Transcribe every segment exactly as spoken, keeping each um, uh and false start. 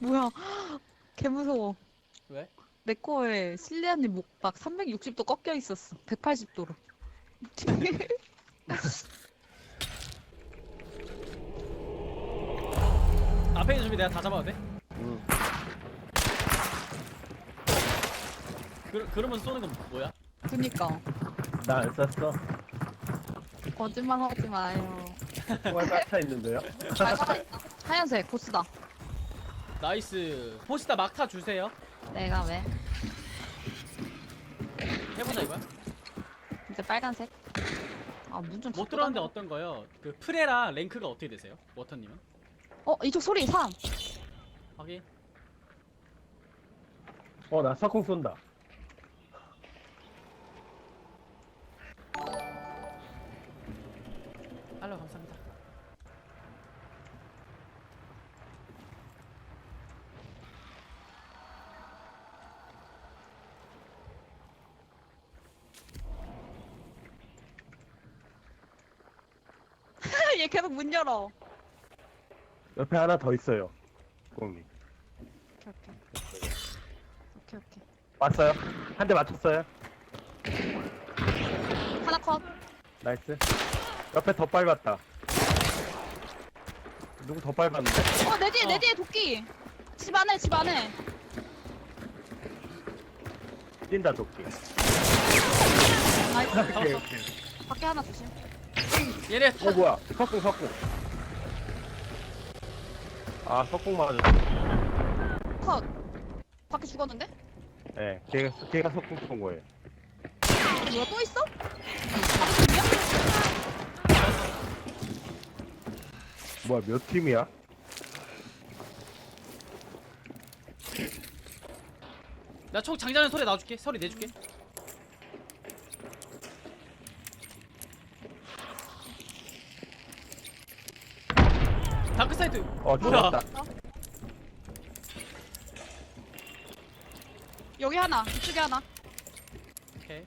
뭐야? 개 무서워. 왜? 내 거에 실리안님 목박 삼백육십 도 꺾여 있었어. 백팔십 도로. 앞에 있는 준비 내가 다 잡아도 돼? 응. 그, 그러면서 쏘는 건 뭐야? 그니까. 나 안 쐈어. 거짓말 하지 마요. 총알 깎여 있는데요? 아, 살아있다. 하얀색 보스다. 나이스. 포시다 막타 주세요. 내가 왜? 해보자 이거야. 이제 빨간색. 아, 문 좀. 못 들었는데 어떤 거요? 그 프레랑 랭크가 어떻게 되세요? 워터님은? 어, 이쪽 소리 삼. 확인. 어, 나 석궁 쏜다. 알로 감사합니다. 얘 계속 문 열어. 옆에 하나 더 있어요. 공이. 오케이, 오케이. 오케이, 오케이. 왔어요? 한 대 맞췄어요? 하나 컷. 나이스. 옆에 더 밟았다. 누구 더 밟았는데? 어, 내 뒤에, 내 어. 뒤에 도끼. 집 안에, 집 안에. 뛴다, 도끼. 나이스. 오케이, 오케이. 밖에 하나 조심. 얘네 어, 뭐야? 석궁, 석궁. 아, 석궁 맞았어. 컷. 밖에 죽었는데? 예, 네, 걔가, 걔가 석궁 쏜 거예요. 뭐야, 또 있어? 밖에 팀이야? 뭐야, 몇 팀이야? 나 총 장전하는 소리 놔줄게. 소리 내줄게. 다크사이드. 어, 뭐야? 죽었다. 여기 하나, 이쪽에 하나. 오케이.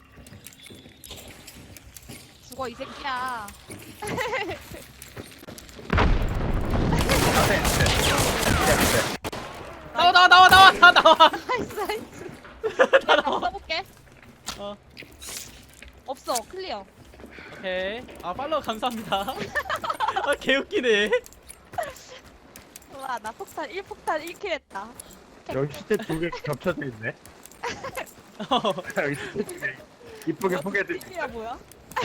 죽어, 이 새끼야. 앞에, 앞에. 앞에. 나와 나와 나와 나와 다 나와. 나이스, 나이스. 다 내가 나와. 써볼게. 어. 없어, 클리어. 오케이. 아 팔로우 감사합니다. 아 개웃기네. 와, 나 폭탄 일 폭탄 일 킬 했다. 여기 시체 두 개 겹쳐져 있네. 어. 여기 시체 두 개. 이쁘게 포개져 있 야 뭐야?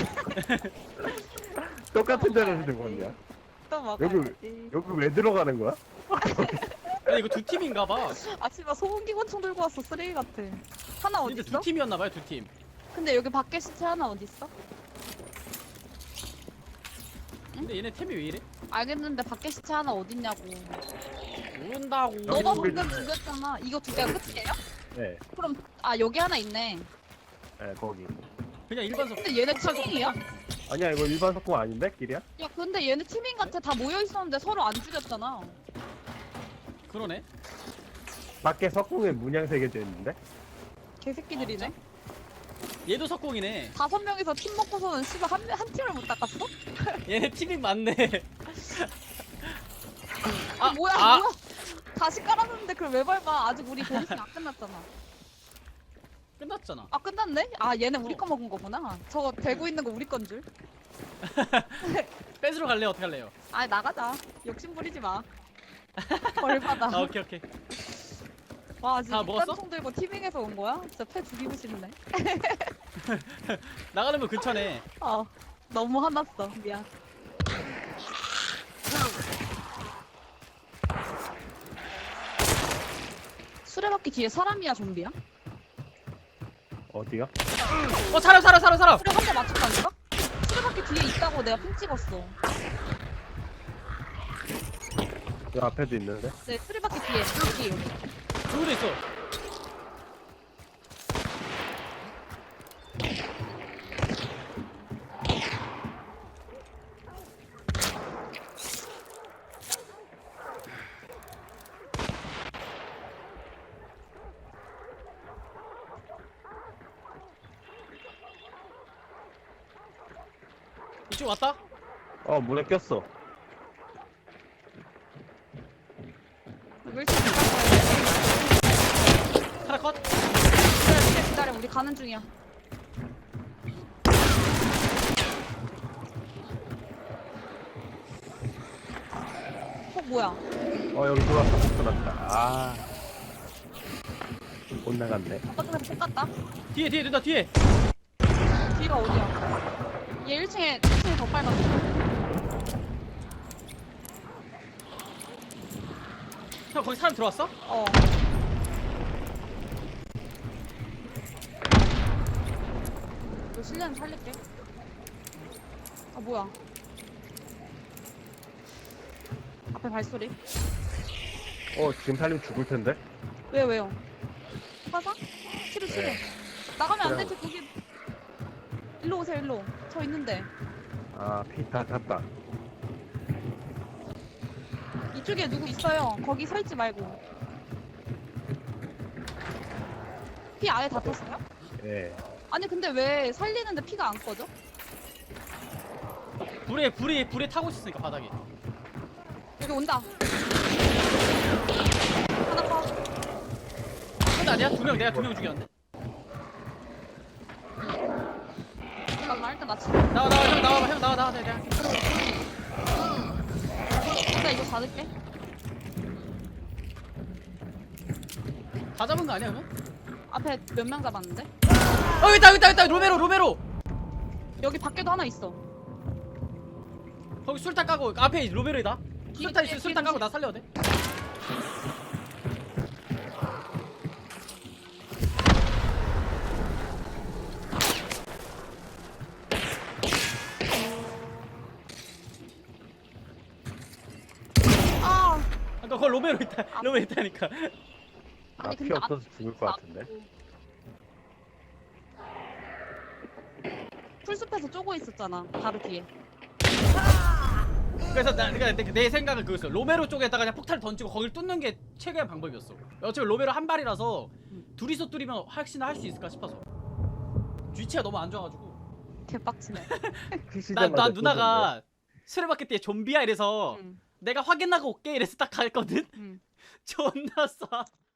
똑같은 데로 죽었냐? 또 먹어. 여기, 여기 왜 들어가는 거야? 아니 이거 두 팀인가봐. 아 씨발 소음기관총 들고 왔어. 쓰레기 같아. 하나 어디 근데 두 있어? 팀이었나봐요 두 팀. 근데 여기 밖에 시체 하나 어디 있어? 근데 얘네 템이 왜 이래? 알겠는데 밖에 시체 하나 어디 있냐고. 모른다고. 너가 여기 방금 있네. 죽였잖아. 이거 두 개가 끝이에요? 네, 그럼 아 여기 하나 있네. 네, 거기. 그냥 일반 석. 근데 얘네 팀이야? 아니야, 이거 일반 석궁 아닌데? 길이야? 야 근데 얘네 팀인 같아. 다 모여 있었는데 서로 안 죽였잖아. 그러네. 밖에 석궁에 문양 새겨져 있는데? 개새끼들이네. 얘도 석공이네. 다섯 명이서 팀 먹고서는 씨발 한, 한 팀을 못 닦았어? 얘네 팀이 많네. 아, 뭐야 아, 뭐야? 다시 깔아놨는데 그걸 왜 밟아? 아직 우리 보너스 안 끝났잖아. 끝났잖아. 아 끝났네? 아 얘네 우리 거 먹은 거구나. 저거 대고 있는 거 우리 건 줄. 뺏으러 갈래 어떻게 할래요? 아 나가자. 욕심 부리지 마. 벌 받아. 아 오케이 오케이. 와 지금 다 먹었어? 총 들고 티빙에서 온 거야? 진짜 패 죽이고 싶네. 나가는 거 근처네. 어 너무 화났어. 미안. 수레바퀴 뒤에 사람이야 좀비야? 어디야? 어 사람 사람 사람 사람. 수레 한 대 맞췄다니까? 수레바퀴 뒤에 있다고 내가 핀 찍었어. 여 앞에도 있는데? 네 수레바퀴 뒤에 여기 여기. 누구도 있어. 이쪽 왔다? 어, 문에 꼈어. 이거 일찍 갈 거야. 하나 컷. 기다려, 기다려, 기다려. 우리 가는 중이야. 어, 뭐야? 어 여기 돌았다 돌았다. 아. 못 나갔네. 바깥에서 똑같다. 뒤에 뒤에 누나 뒤에. 뒤가 어디야? 얘 일 층에, 일 층에 더 빨갛다. 형 거기 사람 들어왔어? 어. 너 실내는 살릴게. 아, 뭐야. 앞에 발소리. 어 지금 살림 죽을 텐데. 왜요, 왜요? 화상? 치료, 치료. 네. 나가면 안 그냥- 되지, 거기. 일로 오세요, 일로. 저 있는데. 아 피 다 탔다. 이쪽에 누구 있어요. 거기 서 있지 말고. 피 아예 다 떴어요? 예. 아니, 근데 왜 살리는데 피가 안 꺼져? 불에 불이 불에 타고 있으니까 바닥에. 여기 온다. 하나 컷. 근데 아니야? 두 명 내가 두 명 죽였는데. 잠깐만, 일단 나 치. 나와 나와 형 나와봐 형 나와 나와 내가. 할게. 일단 이거 받을게. 다 잡은 거 아니야 그러면? 앞에 몇 명 잡았는데? 어 여기 있다 여기 있다 여기 있다 로메로 로메로. 여기 밖에도 하나 있어. 거기 술탄 까고 앞에 로베르다. 술탄 있어 뒤에, 술탄 뒤에 까고 나 살려야 돼. 아! 아까 거기 로베로 있다. 로베로 있다니까. 아 아니, 피 근데 없어서 앞- 죽을 것 같은데. 풀숲에서 쪼고 있었잖아. 바로 뒤에. 그래서 나 그러니까 내, 내 생각은 그거였어. 로메로 쪽에다가 그냥 폭탄을 던지고 거길 뚫는 게 최고의 방법이었어. 어차피 로메로 한 발이라서 둘이서 뚫리면 혹시나 할 수 있을까 싶어서. 위치가 너무 안 좋아가지고. 개빡치네. 나, 나 누나가 수레바퀴 때 좀비야 이래서 응, 내가 확인하고 올게 이래서 딱 갔거든. 응. 존나 싸.